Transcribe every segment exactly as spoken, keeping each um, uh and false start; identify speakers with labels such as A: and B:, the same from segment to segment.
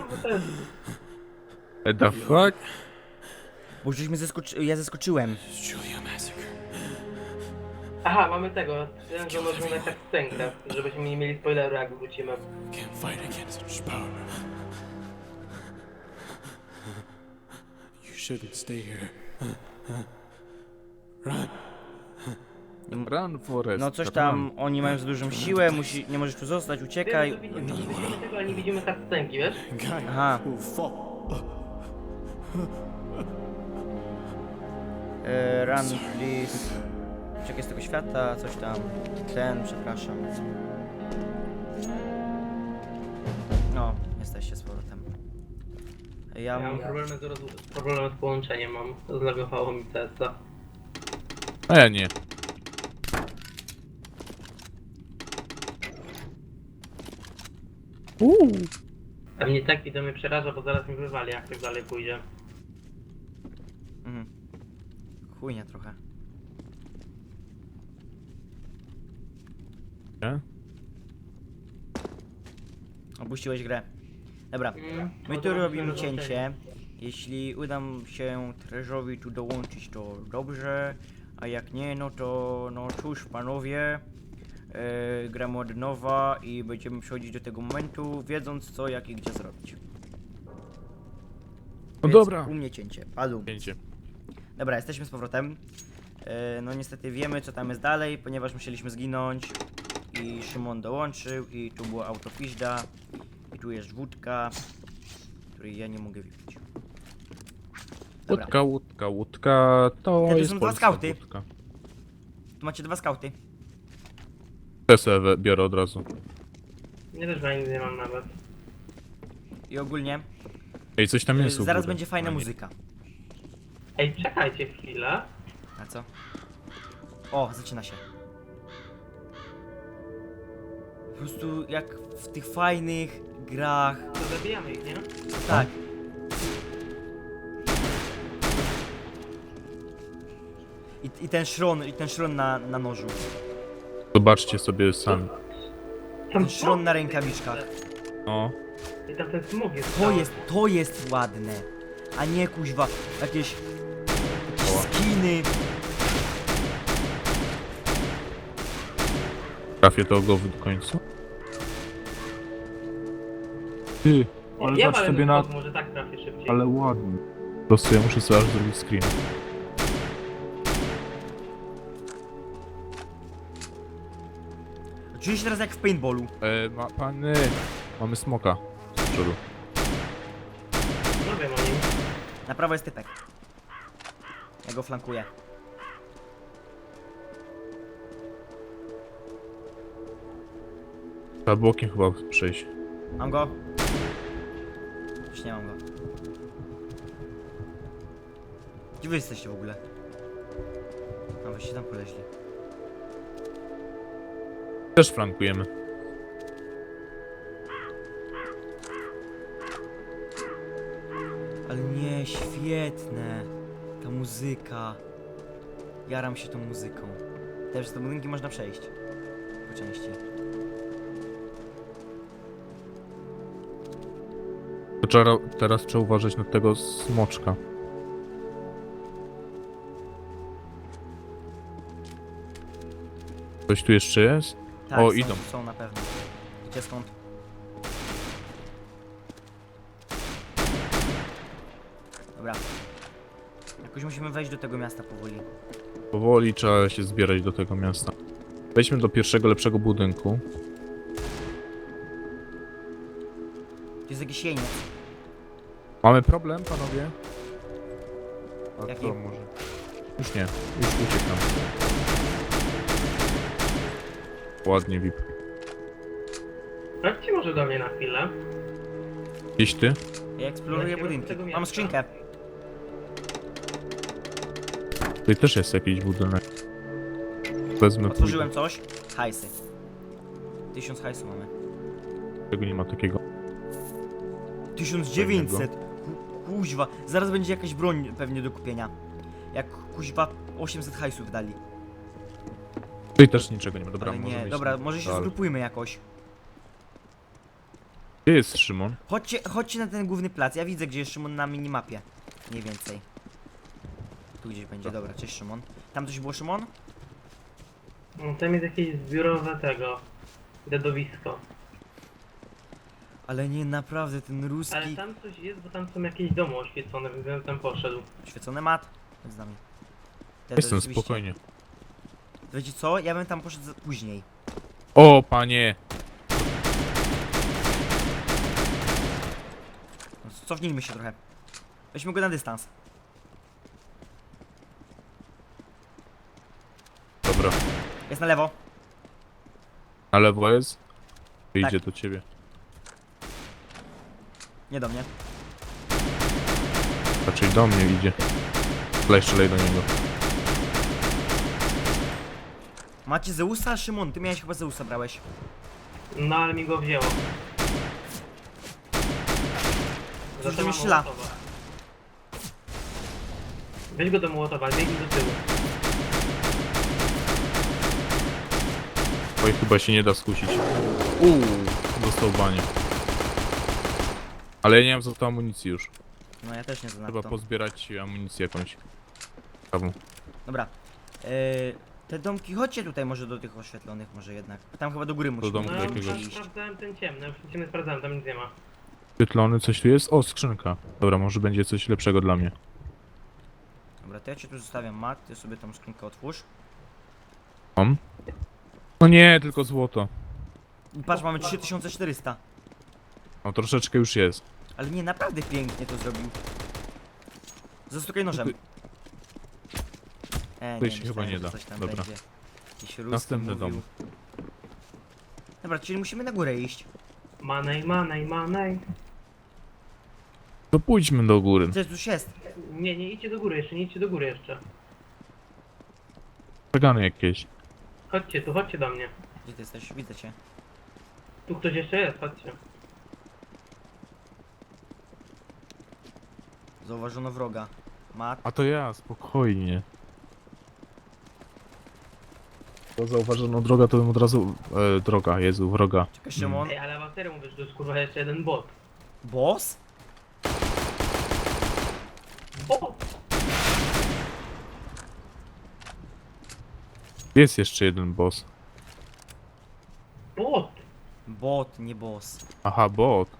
A: bo to jest...
B: What the fuck?
C: Bo żeśmy zeskoczy... ja zeskoczyłem.
A: Aha, mamy tego, ten, że możemy na tak scenkę, żebyśmy nie mieli spoileru jak wrócimy.
D: Can't fight against such power. You shouldn't stay here. Run.
B: Run, Forest.
C: No coś tam, oni mają za dużą siłę, musi... nie możesz tu zostać, uciekaj.
A: Wiemy, że widzimy, widzimy tego, ale nie widzimy tak scenki, wiesz?
D: Guy
C: Aha.
D: will fall.
C: E, run, please. Uciekaj z tego świata, coś tam. Ten, przepraszam. No, jesteście z powrotem. Ja
A: Ja mam
C: mam...
A: problemy z, roz... problemy z połączeniem, mam. Zlagowało mi C S a.
B: A ja nie. Uuu.
A: A mnie tak widzę mnie przeraża, bo zaraz mi wywali, jak tak dalej pójdzie.
C: Mhm. Chujnia trochę.
B: Nie?
C: Opuściłeś grę. Dobra,
A: Mm,
C: my
A: no
C: tu
A: to
C: robimy
A: musimy
C: cięcie. Jeśli uda się Treżowi tu dołączyć, to dobrze. A jak nie, no to no cóż panowie. Yy, gramy od nowa i będziemy przechodzić do tego momentu, wiedząc co, jak i gdzie zrobić.
B: No
C: Więc
B: dobra.
C: U mnie cięcie, padł.
B: Pięcie.
C: Dobra, jesteśmy z powrotem. Yy, no niestety wiemy co tam jest dalej, ponieważ musieliśmy zginąć. I Szymon dołączył i tu była autopiźda. I tu jest wódka, której ja nie mogę wypić. Dobra,
B: Łódka, łódka, łódka, to
C: Ja tu
B: jest
C: są dwa
B: polska
C: skauty.
B: łódka.
C: tu macie dwa skauty.
B: Te sobie biorę od razu.
A: Nie też chyba nic nie mam nawet.
C: I ogólnie
B: Ej, coś tam
C: yy,
B: jest u
C: zaraz
B: góry.
C: będzie fajna
B: A nie.
C: muzyka.
A: Ej, czekajcie chwilę.
C: A co? O, zaczyna się. Po prostu jak w tych fajnych grach.
A: To zabijamy ich, nie?
C: Tak. I, i ten szron, i ten szron na, na nożu.
B: Zobaczcie sobie sami.
A: Tam
C: Ten szron na rękawiczkach.
B: No.
A: I tam ten smog jest.
C: To
A: cały.
C: jest, to jest ładne. A nie kuźwa, jakieś, jakieś skiny.
B: Trafię do głowy do końca. Ty, ale
A: Ja
B: zobacz
A: mam
B: sobie na...
A: smog, może tak trafię szybciej.
B: Ale ładnie. Po prostu ja muszę sobie aż zrobić screen.
C: Czuję się teraz jak w paintballu.
B: E, ma, pany, mamy smoka z przodu.
A: No wiem o nim.
C: Na prawo jest typek. Ja go flankuję.
B: Trzeba bokiem chyba przejść.
C: Mam go? Już nie mam go. Gdzie wy jesteście w ogóle? A wyście tam poleźli.
B: Też flankujemy.
C: Ale nie, świetne. Ta muzyka. Jaram się tą muzyką. Też te budynki można przejść. Po części.
B: To trzeba, teraz trzeba uważać na tego smoczka. Coś tu jeszcze jest?
C: Tak,
B: O,
C: są,
B: idą.
C: są na pewno. Gdzie skąd? Dobra. Jakoś musimy wejść do tego miasta powoli.
B: Powoli trzeba się zbierać do tego miasta. Wejdźmy do pierwszego, lepszego budynku.
C: Tu jest jakiś jeniec.
B: Mamy problem, panowie? A
C: Jaki?
B: to może... Już nie, już uciekam. Ładnie, V I P.
A: Chodźcie może do mnie na chwilę.
B: Gdzieś ty?
C: Ja eksploruję
A: Leciemy do
C: budynki.
A: tego
C: Mam
A: miasta.
C: skrzynkę.
B: Tutaj też jest jakiś budynek. Wezmę,
C: Otworzyłem coś. Hajsy. Tysiąc hajsu mamy.
B: pójdę. Tego nie ma takiego.
C: Tysiąc dziewięćset. Ku- Kuźwa. Zaraz będzie jakaś broń pewnie do kupienia. Jak kuźwa osiemset hajsów dali.
B: Tutaj też niczego nie ma. Dobra,
C: Ale
B: możemy
C: nie,
B: iść
C: dobra,
B: na-
C: może się
B: dalej.
C: zgrupujmy jakoś.
B: Gdzie jest Szymon?
C: Chodźcie, chodźcie na ten główny plac. Ja widzę, gdzie jest Szymon na minimapie. Mniej więcej. Tu gdzieś będzie, dobra, cześć Szymon. Tam coś było, Szymon?
A: No, tam jest jakieś zbiorowe tego... Dedowisko.
C: Ale nie, naprawdę, ten
A: Ale
C: ruski...
A: tam coś jest, bo tam są jakieś domy oświecone, więc ja tam poszedł.
C: Świecony mat. Chodź z nami. Ja
B: Jestem
C: rzeczywiście-
B: spokojnie.
C: Wiecie co? Ja bym tam poszedł za- później.
B: O, panie!
C: No, cofnijmy się trochę. Weźmy go na dystans.
B: Dobra.
C: Jest na lewo.
B: Na lewo jest? Idzie
C: Tak.
B: do ciebie.
C: Nie do mnie.
B: Raczej do mnie idzie. Strzelaj, strzelaj do niego.
C: Macie Zeusa? Szymon, ty miałeś chyba Zeusa, brałeś.
A: No ale mi go wzięło.
C: Cóż,
A: Za to
C: to mi
A: mam
C: strzela.
A: Mołotowa. Weź go do Mołotowa, biegnij do tyłu.
B: Oj, chyba się nie da skusić. Uuu, dostał banie. Ale ja nie mam za to amunicji już.
C: No ja też nie znam
B: Trzeba
C: to.
B: pozbierać amunicję jakąś. Ciekawą.
C: Dobra. Yy, te domki, chodźcie tutaj może do tych oświetlonych może jednak. Tam chyba do góry musimy
B: domku
A: No ja
B: jakiegoś.
A: już sprawdzałem ten ciemny, już ciemny sprawdzałem, tam nic nie ma.
B: Świetlony, coś tu jest? O, skrzynka. Dobra, może będzie coś lepszego dla mnie.
C: Dobra, to ja cię tu zostawiam, Mat, ty sobie tą skrzynkę otwórz.
B: Mam? No nie, tylko złoto.
C: I patrz, mamy trzy tysiące czterysta.
B: No troszeczkę już jest.
C: Ale nie, naprawdę pięknie to zrobił. Zastukaj nożem. E,
B: Tutaj się
C: myślałem,
B: chyba nie
C: że
B: da.
C: coś tam
B: Dobra.
C: będzie. Jakiś ruski
B: Następny
C: mówił.
B: dom.
C: Dobra, czyli musimy na górę iść.
A: Manej, manej, manej.
B: To pójdźmy do góry.
C: Co już jest?
A: Nie, nie idźcie do góry jeszcze, nie idźcie do góry jeszcze.
B: Przegany jakieś.
A: Chodźcie tu, chodźcie do mnie.
C: Gdzie ty jesteś? Widzę cię.
A: Tu ktoś jeszcze jest, chodźcie.
C: Zauważono wroga. Mat.
B: A to ja, spokojnie. To zauważono droga, to bym od razu... E, droga, Jezu, wroga.
C: Czekaj, Szymon.
A: Ej, ale wam serio mówię, że to jest kurwa jeszcze jeden bot.
C: Boss?
A: Bot!
B: Jest jeszcze jeden boss.
A: Bot!
C: Bot, nie boss.
B: Aha, bot.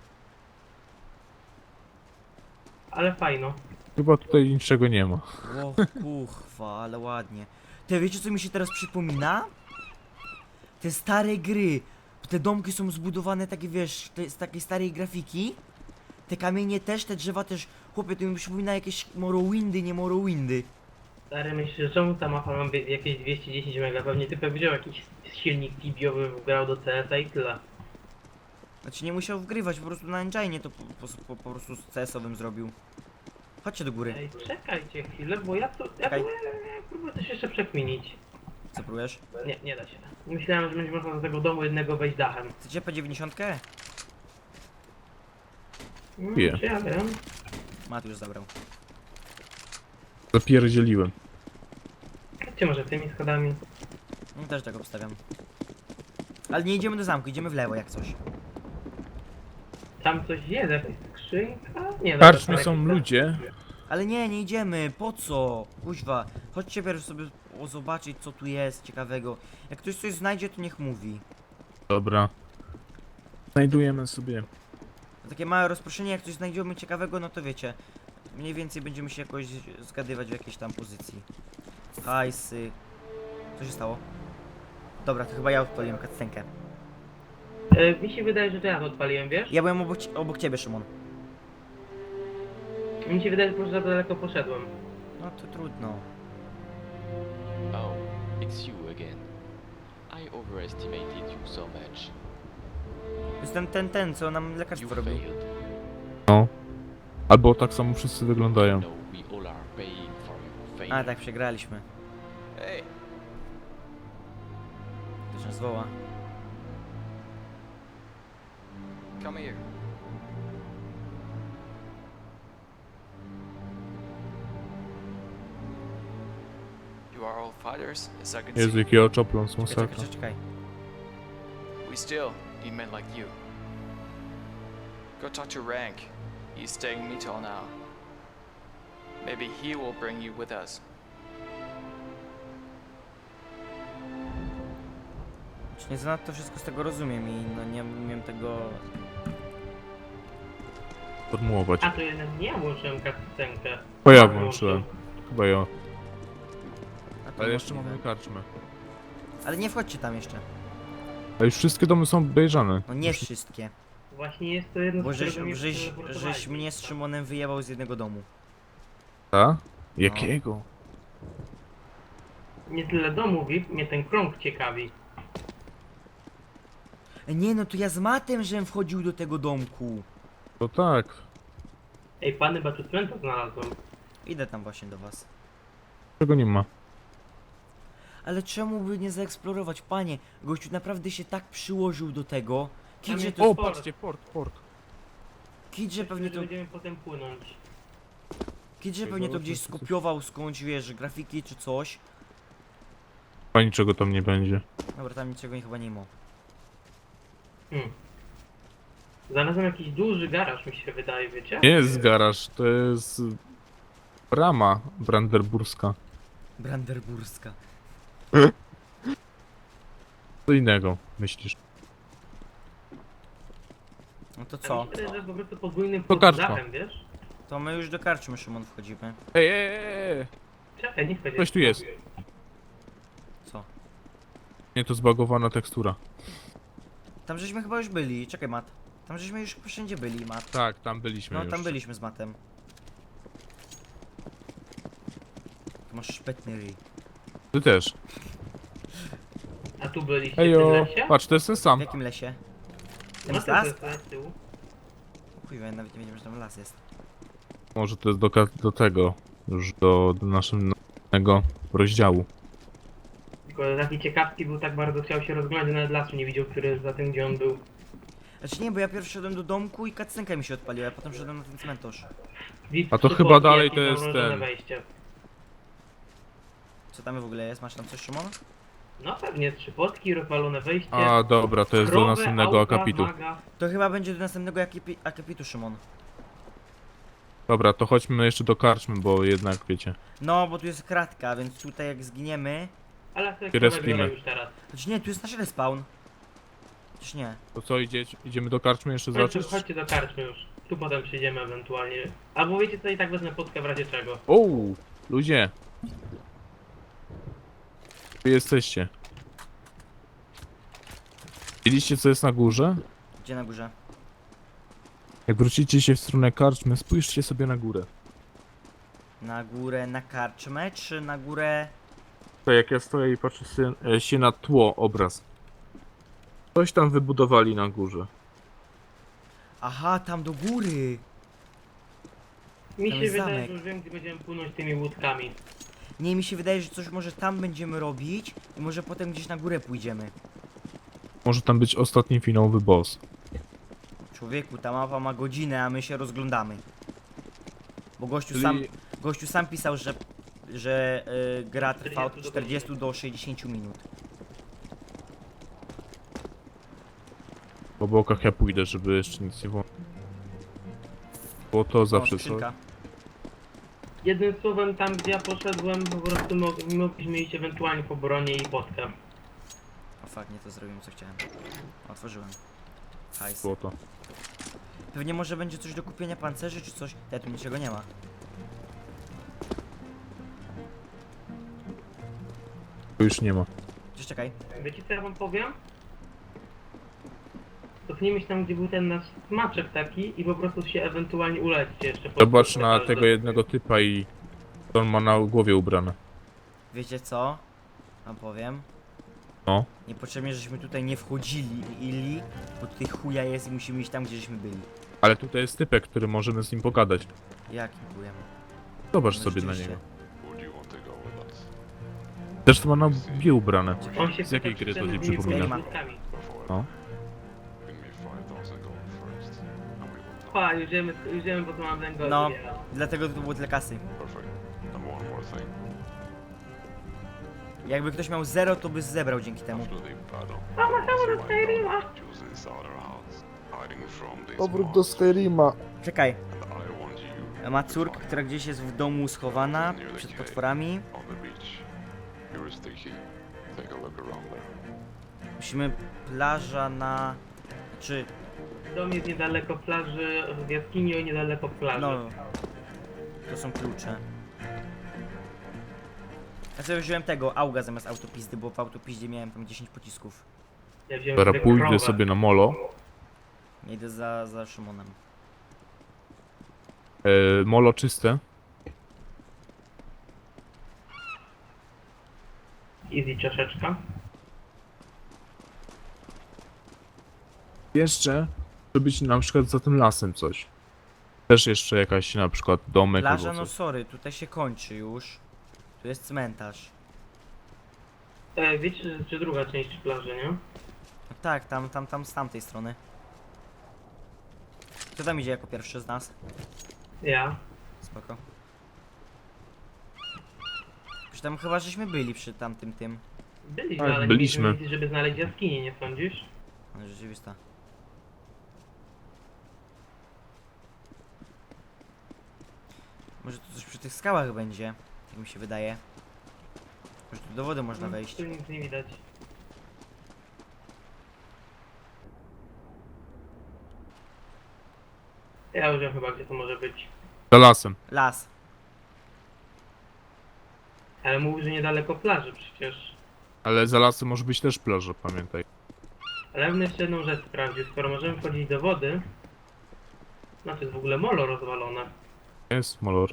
A: Ale fajno.
B: Chyba tutaj niczego nie ma.
C: O kuchwa, ale ładnie. Ty wiecie co mi się teraz przypomina? Te stare gry. Te domki są zbudowane takie, wiesz, te, z takiej starej grafiki. Te kamienie też, te drzewa też. Chłopie, to mi przypomina jakieś Morrowindy, nie Morrowindy.
A: Stary, myślisz, że czemu ta mapa ma wie- jakieś dwieście dziesięć mega? Pewnie typek wziął jakiś silnik tibiowy, wgrał do C S a i tyle.
C: Znaczy nie musiał wgrywać, po prostu na engine to po, po, po, po prostu z C S-owym zrobił. Chodźcie do góry.
A: Ej, czekajcie chwilę, bo ja to... Ja
C: Czekaj.
A: próbuję, próbuję coś jeszcze przekminić.
C: Co próbujesz?
A: Nie, nie da się. Myślałem, że będzie można do tego domu jednego wejść dachem.
C: Chcecie P dziewięćdziesiąt?
A: No,
B: Nie.
A: czy ja wiem?
C: Mat już zabrał.
B: Zapierdzieliłem.
A: Chodźcie może tymi schodami.
C: No też tak obstawiam. Ale nie idziemy do zamku, idziemy w lewo jak coś.
A: Tam coś jest, jakaś skrzynka? Nie, dobra,
B: Karczmy
A: to
B: są
A: jakieś-
B: ludzie.
C: Ale nie, nie idziemy, po co? Kuźwa, chodźcie pierw sobie o, zobaczyć co tu jest ciekawego. Jak ktoś coś znajdzie, to niech mówi.
B: Dobra. Znajdujemy sobie.
C: Takie małe rozproszenie, jak coś znajdziemy ciekawego, no to wiecie. Mniej więcej będziemy się jakoś zgadywać w jakiejś tam pozycji. Hajsy. Co się stało? Dobra, to chyba ja odpaliłem cutscenkę.
A: E, mi się wydaje, że to ja to odpaliłem, wiesz?
C: Ja byłem obok, ci- obok ciebie, Szymon.
A: Mi się wydaje, że może za daleko poszedłem.
C: No to trudno.
E: Oh, it's you again. I overestimated you so much.
C: Jestem ten, ten, co nam
E: You
C: lekarstwo robił.
E: failed.
B: No. Albo tak samo wszyscy wyglądają.
E: No, we all are paying for your failure.
C: A tak, przegraliśmy.
E: Hey,
C: Ktoś nas woła.
E: come here. You are all fighters, as I can
B: Jezu,
E: see.
B: jaki oczopląs,
C: Czekaj, czekaj,
B: masakra.
C: czekaj, czekaj.
E: We still need men like you. Go talk to Rank. He's staying in Mito now. Maybe he will bring you with us.
C: Czy nie zanadto wszystko z tego rozumiem i no nie umiem tego...
B: Formułować.
A: A to jednak nie ja włączyłem kastenkę.
B: Bo ja włączyłem. Chyba ja.
C: A to
B: Ale jeszcze
C: możliwe.
B: mamy karczmę.
C: Ale nie wchodźcie tam jeszcze.
B: A już wszystkie domy są obejrzane.
C: No nie wszystkie.
A: Właśnie jest to jedno
C: Bo
A: z
C: żeś,
A: którego mnie
C: żeś,
A: teleportowali.
C: żeś mnie z Szymonem wyjebał z jednego domu.
B: Tak? Jakiego?
A: Nie tyle domu V I P, mnie ten krąg ciekawi.
C: E, Nie no, to ja z matem, żem wchodził do tego domku.
B: To tak.
A: Ej, pany Batutmenta znalazłem.
C: Idę tam właśnie do was.
B: Czego nie ma?
C: Ale czemu by nie zaeksplorować, panie? Gościu naprawdę się tak przyłożył do tego. Kidże,
A: jest-
C: to,
B: O, patrzcie, port, port.
C: Kidże pewnie to,
A: Będziemy potem płynąć.
C: Kidże pewnie to gdzieś skopiował skądś, wiesz, grafiki czy coś.
B: Chyba niczego tam nie będzie.
C: Dobra, tam niczego nie- chyba nie ma.
A: Hmm. Znalazłem jakiś duży garaż, mi się wydaje, wiecie?
B: Nie jest garaż, to jest... brama brandenburska.
C: Brandenburska.
B: Co innego, myślisz?
C: No to
A: Co?
C: co?
A: Mi się wydaje, że po prostu podwójnym
B: To karczma.
A: dachem, wiesz?
C: To my już do karczmy, Szymon, wchodzimy.
B: Ej, ej, ej, ej!
A: Czekaj, nie wchodź.
B: Ktoś tu jest.
C: Co?
B: Nie, to zbagowana tekstura.
C: Tam żeśmy chyba już byli. Czekaj, Mat. Tam żeśmy już wszędzie byli, Mat.
B: Tak, tam byliśmy
C: No,
B: już.
C: tam byliśmy z Matem. Tu masz szpetny ryj.
B: Ty też.
A: A tu byliście w tym
B: Ejo,
A: lesie?
B: patrz, to jest ten
C: W
B: sam.
C: jakim lesie? Tam
A: No
C: jest
A: to
C: las?
A: jest las z tyłu.
C: Chuj, ja nawet nie wiedziałem, że tam las jest.
B: Może to jest do, ka- do tego, już do, do naszego rozdziału.
A: Tylko taki ciekawski był, tak bardzo chciał się rozglądać, nawet lasu nie widział, który jest za tym, gdzie on był.
C: Znaczy nie, bo ja pierwszy szedłem do domku i cutscenka mi się odpaliła, a potem szedłem na ten cmentarz.
A: Widz
B: A to
A: przy
B: chyba
A: boku,
B: dalej
A: jakie
B: to jest
A: zamrożone
B: ten.
A: Wejście.
C: Co tam w ogóle jest? Masz tam coś, Szymon?
A: No pewnie, trzy potki, rozwalone wejście.
B: A, dobra, to jest do
A: krowę,
B: następnego
A: auta,
B: akapitu.
A: maga.
C: To chyba będzie do następnego akapi akapitu, Szymon.
B: Dobra, to chodźmy jeszcze do karczmy, bo jednak, wiecie.
C: No, bo tu jest kratka, więc tutaj jak zginiemy...
A: Ale sobie
B: Się
A: krowę
B: respimy.
A: biorę już teraz.
C: Znaczy nie, tu jest nasz respawn. Przecież nie.
B: To co, idzie, idziemy do karczmy jeszcze
A: Chodźcie,
B: zobaczyć?
A: chodźcie do karczmy już. Tu potem przyjdziemy ewentualnie. Albo wiecie co, i tak wezmę potkę w razie czego.
B: O, ludzie. Wy jesteście. Widzieliście co jest na górze?
C: Gdzie na górze?
B: Jak wrócicie się w stronę karczmy, spójrzcie sobie na górę.
C: Na górę na karczmę, czy na górę...
B: To jak ja stoję i patrzę się, e, się na tło, obraz. Coś tam wybudowali na górze.
C: Aha, tam do góry!
A: Mi
C: Tam
A: się
C: jest
A: wydaje,
C: zamek.
A: że już wiem, gdzie będziemy płynąć tymi łódkami.
C: Nie, mi się wydaje, że coś może tam będziemy robić i może potem gdzieś na górę pójdziemy.
B: Może tam być ostatni finałowy boss.
C: Człowieku, ta mapa ma godzinę, a my się rozglądamy. Bo gościu
B: Czyli-
C: sam, gościu sam pisał, że, że y, gra trwa od
A: czterdzieści do
C: czterdziestu do sześćdziesięciu minut.
B: Po bokach ja pójdę, żeby jeszcze nic nie było. Bo to zawsze
C: O,
B: co.
C: skrzynka.
A: Jednym słowem, tam gdzie ja poszedłem, po prostu mo mogliśmy iść ewentualnie po bronie i potkę.
C: O fuck, nie to zrobiłem co chciałem. Otworzyłem. Hajs.
B: Było to.
C: Pewnie może będzie coś do kupienia pancerzy czy coś. Ja tu niczego nie ma.
B: Tu już nie ma.
C: Cześć, czekaj.
A: Wiecie co ja wam powiem? Cofnijmy się tam, gdzie był ten nasz smaczek taki i po prostu się ewentualnie ulećcie jeszcze. pod-
B: Zobacz
A: pod-
B: na
A: pod-
B: tego jednego typa i to on ma na głowie ubrane.
C: Wiecie co? Wam powiem.
B: No.
C: Niepotrzebnie, żeśmy tutaj nie wchodzili, ili, bo tutaj chuja jest i musimy iść tam, gdzie żeśmy byli.
B: Ale tutaj jest typek, który możemy z nim pogadać.
C: Jakim chujem?
B: Zobacz
C: No
B: sobie na
C: rzeczywiście.
B: niego.
F: Would you want to go with us?
B: Też to ma na głowie ubrane.
A: On się
B: Z jakiej
A: pyta,
B: gry
A: czy
B: to
A: ten
B: ci
A: z tymi
B: przypomina?
A: łódkami.
F: Before
B: No.
F: give me five thousand gold first, and we will talk.
A: Pa, już wiemy, już wiemy, po co mam węgorz.
C: No, dlatego to było tyle kasy.
F: Perfect. And one more thing.
C: Jakby ktoś miał zero, to by zebrał dzięki temu.
F: After the battle,
A: Mama,
F: once
A: sama
F: you
A: dostaje
F: wind
A: ryła.
F: down, choose this other house. hiding from these
B: Powrót do
F: monsters,
B: Skyrima.
C: Czekaj,
F: and I want you
C: ma
F: to
C: córkę,
F: find
C: która gdzieś jest w domu schowana przed potworami.
F: on the beach. Here is the key. Take a look around there.
C: Musimy plaża na... Czy...
A: Dom jest niedaleko plaży, w jaskini niedaleko plaży.
C: No... To są klucze. Ja sobie wziąłem tego, auga zamiast autopizdy, bo w autopiździe miałem tam dziesięć pocisków.
A: Ja wziąłem
B: Dobra,
A: sobie
B: pójdę
A: krowę.
B: sobie na molo.
C: Ja idę za, za Szymonem.
B: E, molo czyste.
A: Easy czaszeczka.
B: Jeszcze, żeby być na przykład za tym lasem coś. Też jeszcze jakaś na przykład domek
C: Plaża,
B: albo
C: no
B: coś.
C: sorry, tutaj się kończy już. Tu jest cmentarz.
A: E, wiecie, że, że druga część plaży, nie?
C: No tak, tam, tam, tam z tamtej strony. Kto tam idzie jako pierwszy z nas?
A: Ja.
C: Spoko. Już tam chyba żeśmy byli przy tamtym tym.
A: Byliśmy,
B: Tak,
A: ale
B: byliśmy.
A: nie mieliśmy, żeby znaleźć jaskinię, nie sądzisz?
C: Ale rzeczywista. Może tu coś przy tych skałach będzie, jak mi się wydaje. Może tu do wody można wejść.
A: Tu nic nie widać. Ja już wiem chyba, gdzie to może być.
B: Za lasem.
C: Las.
A: Ale mówił, że niedaleko plaży przecież.
B: Ale za lasem może być też plaża, pamiętaj.
A: Ale ja bym jeszcze jedną rzecz sprawdził. Skoro możemy wchodzić do wody, znaczy jest w ogóle molo rozwalone.
B: Jest molo.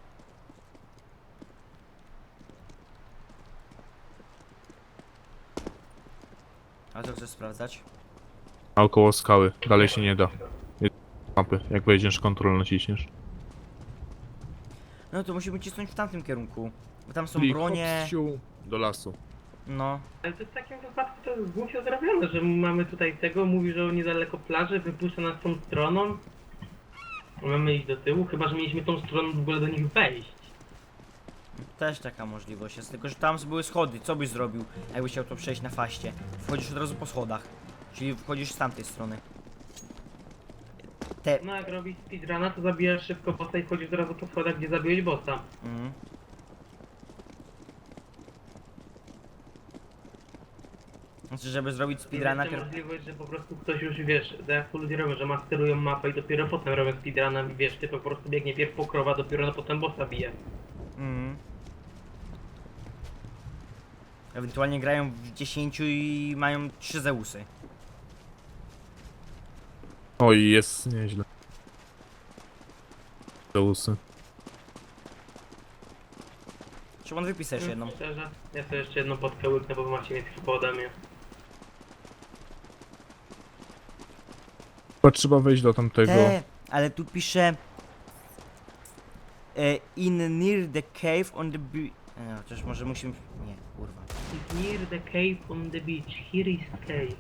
C: A co chcesz sprawdzać?
B: Naokoło skały. Dalej się nie da. Jest mapy. Jak wejdziesz, kontrol naciśniesz.
C: No to musimy cisnąć w tamtym kierunku. Bo tam są
B: Czyli
C: bronie.
B: hop, siu, do lasu.
C: No.
A: Ale to w takim wypadku to jest głupio zrobione, że mamy tutaj tego, mówi, że niedaleko plaży, wypuszcza nas tą stroną. Mamy iść do tyłu, chyba że mieliśmy tą stroną w ogóle do nich wejść.
C: Też taka możliwość jest, tylko że tam były schody. Co byś zrobił, jakbyś chciał to przejść na faście? Wchodzisz od razu po schodach. Czyli wchodzisz z tamtej strony. Te...
A: No jak robisz speedruna, to zabijasz szybko bossa i wchodzisz od razu po schodach, gdzie zabiłeś bossa.
C: Mhm. Znaczy, żeby zrobić speedruna,
A: Jest
C: pier...
A: możliwość, że po prostu ktoś już, wiesz, tak jak to ludzie robią, że masterują mapę i dopiero potem robią speedruna i wiesz, ty po prostu biegnie pierw po krowa, dopiero no potem bossa bije.
C: Mhm. Ewentualnie grają w dziesięciu i mają trzy Zeusy.
B: Oj, jest nieźle. Zeusy.
C: Szymon, wypisać jeszcze jedną.
A: Szczerze, ja sobie jeszcze jedną podkę łyknę, bo wy macie mieć chyba ode mnie.
B: Chyba trzeba wejść do tamtego.
C: Te, ale tu pisze e, in near the cave on the beach. Nie, chociaż może musimy... Nie, kurwa.
A: It's near the cave on the beach, here is cave.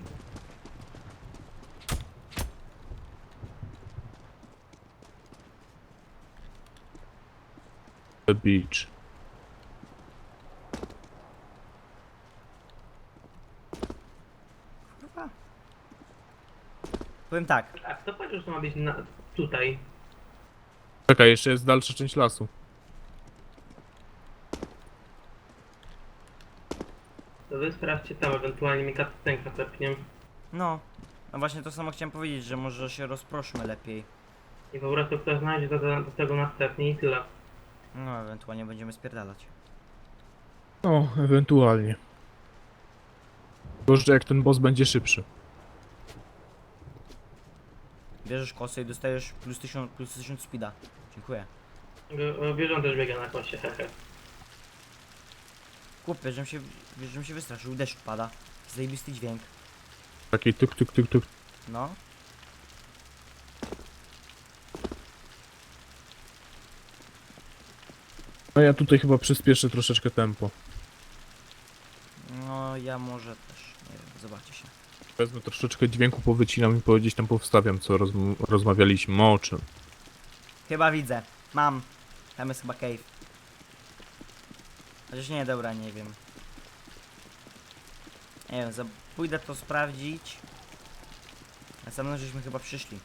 B: The beach.
C: Kurwa. Powiem tak,
A: A kto powiedział, że to ma być na, tutaj?
B: Czekaj, jeszcze jest dalsza część lasu.
A: To wy sprawdźcie tam, ewentualnie mi cutscenka tepnie.
C: no. No właśnie to samo chciałem powiedzieć, że może się rozproszmy lepiej.
A: I po prostu kto znajdzie do, do, do tego następnie i tyle.
C: No, ewentualnie będziemy spierdalać.
B: No, ewentualnie. Gorzej jak ten boss będzie szybszy.
C: Bierzesz kosę i dostajesz plus tysiąc, plus tysiąc speeda. Dziękuję.
A: G- Wiesz, on też biega na kosie, hehe.
C: Chłopie, żebym się, wiesz, żebym się wystraszył, deszcz pada. Zajebisty dźwięk.
B: Taki tuk tuk tuk tuk.
C: No.
B: No ja tutaj chyba przyspieszę troszeczkę tempo.
C: No, ja może też. Nie wiem, zobaczcie się.
B: Wezmę troszeczkę dźwięku, powycinam i powiedzieć tam powstawiam, co rozm rozmawialiśmy o czym.
C: Chyba widzę. Mam. Tam jest chyba cave. Chociaż nie, dobra, nie wiem. Nie wiem, za... pójdę to sprawdzić. A za mną żeśmy chyba przyszli.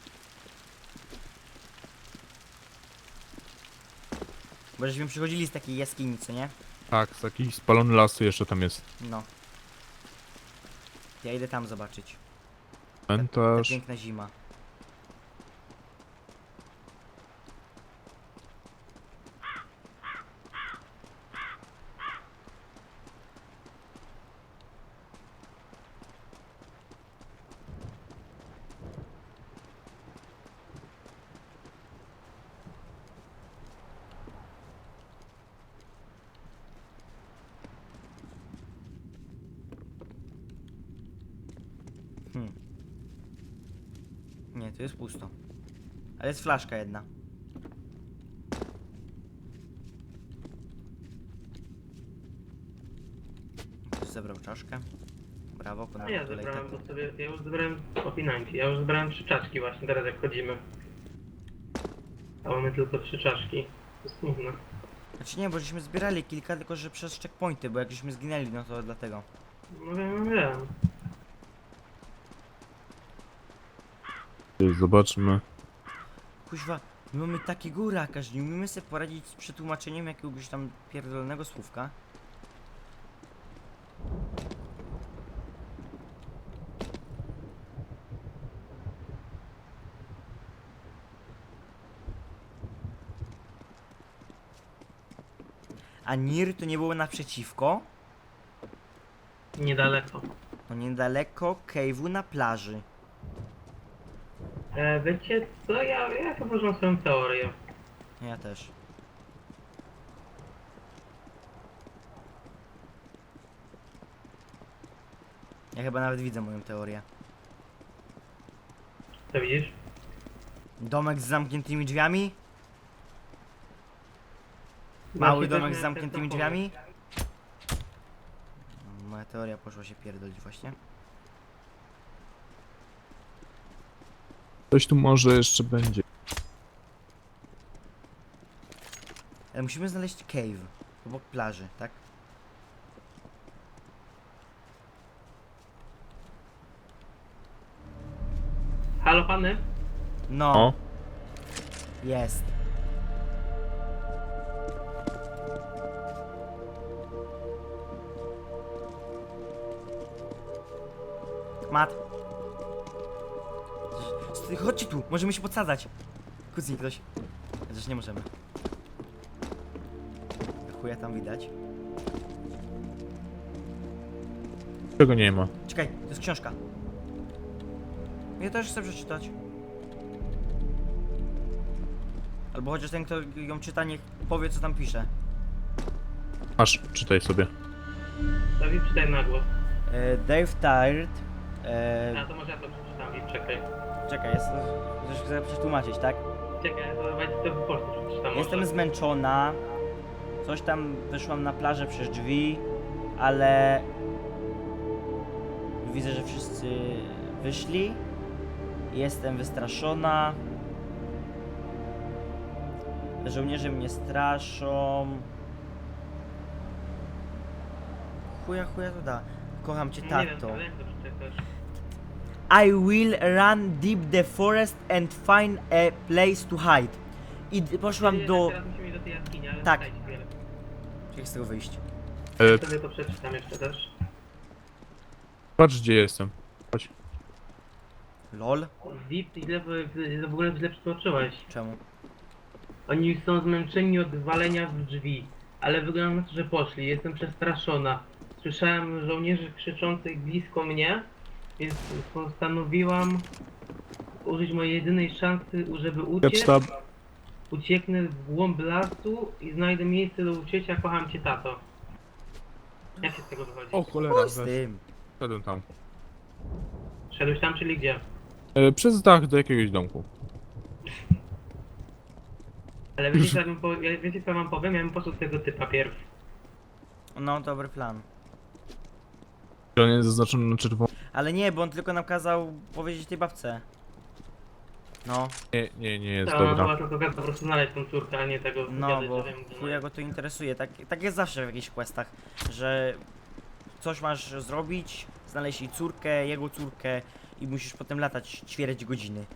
C: Bo żeśmy przychodzili z takiej jaskini, co nie?
B: Tak, z jakiś spalony lasu jeszcze tam jest.
C: No. Ja idę tam zobaczyć. Ta
B: Cmentarz.
C: piękna zima. Hmm. Nie, tu jest pusto. Ale jest flaszka jedna. Ktoś zebrał czaszkę. Brawo,
A: A
C: ponad
A: ja
C: kolejkę.
A: zebrałem to sobie, ja już zebrałem opinanki, ja już zebrałem trzy czaszki właśnie teraz jak chodzimy. A mamy tylko trzy czaszki. To jest smutne.
C: Znaczy nie, bo żeśmy zbierali kilka, tylko że przez checkpointy, bo jak żeśmy zginęli, no to dlatego.
A: No wiem, wiem.
B: Zobaczmy.
C: Kuźwa, my mamy takiego raka, że nie umiemy sobie poradzić z przetłumaczeniem jakiegoś tam pierdolonego słówka. A Nir to nie było naprzeciwko?
A: Niedaleko.
C: No niedaleko cave'u na plaży.
A: E, wiecie co, ja, ja chyba mam swoją teorię.
C: Ja też. Ja chyba nawet widzę moją teorię.
A: Co widzisz?
C: Domek z zamkniętymi drzwiami? Mały
A: Właśnie
C: domek
A: też
C: z
A: miałem
C: zamkniętymi
A: ten sam
C: drzwiami? Moja teoria poszła się pierdolić właśnie.
B: Coś tu może jeszcze będzie.
C: Ale musimy znaleźć cave obok plaży, tak?
A: pomysł. Halo pany?
C: No,
B: O,
C: jest. Mat. Sty- Chodźcie tu, możemy się podsadzać. Kucnij ktoś. Chociaż nie możemy. Chuja tam widać.
B: czego nie ma.
C: Czekaj, to jest książka. Ja też chcę przeczytać. Albo chociaż ten, kto ją czyta, niech powie, co tam pisze.
B: Masz, czytaj sobie.
A: Dawid, czytaj na głos.
C: E, Dave Tired. E,
A: A to może ja to przeczytam i czekaj.
C: czekaj, jest, coś chcę przetłumaczyć, tak?
A: Czekaj, to będzie to po polsku przeczytam.
C: Jestem
A: może.
C: zmęczona. Coś tam wyszłam na plażę przez drzwi, ale widzę, że wszyscy wyszli. Jestem wystraszona. Żołnierze mnie straszą. Chuja, chuja to da. Kocham cię,
A: Nie wiem,
C: tato.
A: ale jak to przeczytasz?
C: I will run deep the forest and find a place to hide. I d- poszłam
A: Nie,
C: do...
A: Teraz musimy iść do tej jaskini, ale
C: Tak.
A: czekajcie chwilę.
C: Jak z tego wyjść?
B: E,
A: Ja sobie to przeczytam jeszcze też.
B: patrz gdzie jestem. Chodź.
C: Lol?
A: Zip, źle, w- w ogóle źle przytoczyłeś.
C: Czemu?
A: Oni już są zmęczeni od walenia w drzwi, ale wygląda na to, że poszli. Jestem przestraszona. Słyszałem żołnierzy krzyczących blisko mnie, więc postanowiłam użyć mojej jedynej szansy, żeby uciec.
B: Sztab.
A: Ucieknę w głąb lasu i znajdę miejsce do uciecia. Kocham cię, tato. Jak się z tego wychodzi?
B: O cholera,
C: Chuj z
B: weź.
C: tym.
B: Szedłem tam.
A: Szedłeś tam, czyli gdzie?
B: E, przez dach do jakiegoś domku.
A: Ale wiecie co, ja bym po, ja, wiecie co wam powiem? Ja bym poszedł tego typa pierw.
C: No, dobry plan.
B: Czy on jest zaznaczony na czerwono?
C: Ale nie, bo on tylko nam kazał powiedzieć tej babce. No,
B: Nie, nie, nie jest
A: To
B: dobra.
A: chyba tylko kazał po prostu znaleźć tą córkę, a nie tego
C: no,
A: gadać,
C: bo
A: że wiem, gdzie
C: chuja go to interesuje. Tak, tak jest zawsze w jakichś questach, że coś masz zrobić, znaleźć jej córkę, jego córkę i musisz potem latać ćwierć godziny.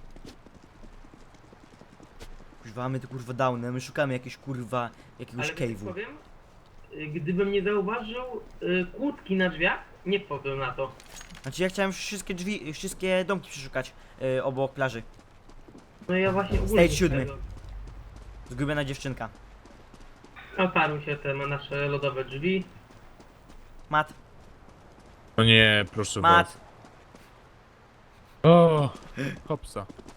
C: Kurwa, mamy tu kurwa downy, my szukamy jakiegoś kurwa, jakiegoś
A: Ale wiesz,
C: cave'u.
A: powiem, y, gdybym nie zauważył y, kłódki na drzwiach, nie wpadłem na to.
C: Znaczy ja chciałem wszystkie drzwi, wszystkie domki przeszukać yy, obok plaży.
A: No ja właśnie ogólnie
C: Stage
A: nie
C: siódmy.
A: tego.
C: Zgubiona dziewczynka.
A: Otarły się te nasze lodowe drzwi.
C: Mat,
B: O nie, proszę
C: mat.
B: was. O, hopsa.